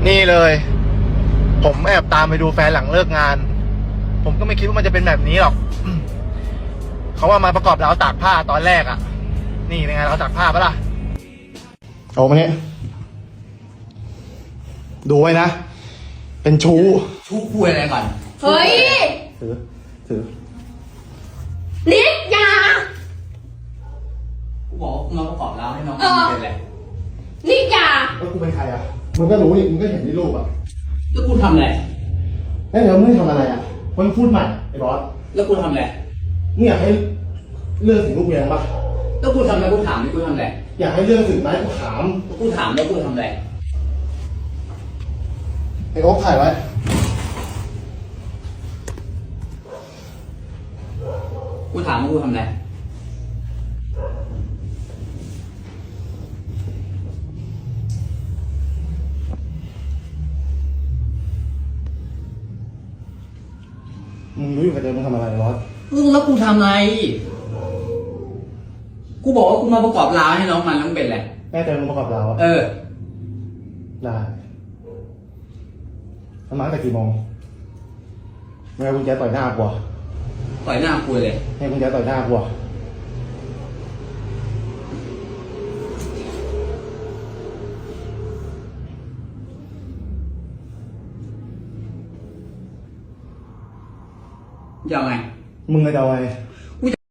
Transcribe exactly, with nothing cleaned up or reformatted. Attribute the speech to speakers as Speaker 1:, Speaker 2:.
Speaker 1: นี่เลย ผมแอบตามไปดูแฟนหลังเลิกงาน ผมก็ไม่คิดว่ามันจะเป็นแบบนี้หรอก เขาว่ามาประกอบราวตากผ้าตอนแรกอ่ะ นี่เป็นไงราวตากผ้าปะล่ะเอามาเนี่ยดูไว้นะ เป็นชู้
Speaker 2: ชู้คุยอะไรก่อน
Speaker 3: เฮ้ย
Speaker 1: ถือถือ
Speaker 3: นิดอยา
Speaker 2: กูบอกว่ากูมาประกอบร้านให้น้อง
Speaker 3: เออ
Speaker 2: เป็นอะไร
Speaker 3: นิดอยา
Speaker 1: แล้วกูเป็นใครอ่ะมึงก็รู้นี่มึงก็เห็นในรูปอ่ะ
Speaker 2: แล้วกูทำอะไร
Speaker 1: แล้วเดี๋ยวมึงทำอะไรอ่ะมึงพูดใหม่ไอ้บอส
Speaker 2: แล้วกูทำอะไร
Speaker 1: มึงอยากให้เรื่องถึงลูกเมียปะ
Speaker 2: แล้วกูทำอะไรกูถามนี่กูทำอะไร
Speaker 1: อยากให้เรื่องถึงไหมกูถาม
Speaker 2: กูถามแล้วกูทำอะไร
Speaker 1: ไอ้โอ๊คถ่ายไว้
Speaker 2: กูถามว่ากูทำอะไร
Speaker 1: มึงรู้อยู่กับเดิมมึงทำอะไรบอส
Speaker 2: แล้วกูทำอะไร กูบอกว่ากูมาประกอบร้านให้น้องมันแล้วมึงเป็นอะไร
Speaker 1: แม่เจอมึงประกอบเราอะ
Speaker 2: เออ
Speaker 1: ได้มันมาตั้งแต่กี่โมงมึงเอากุญแจต่อยหน้ากูอะ
Speaker 2: ต่อยหน้ากูเลย
Speaker 1: ให้กุญแจต่อยหน้ากูอะ
Speaker 2: จะเอาไง
Speaker 1: มึงจะเอาไง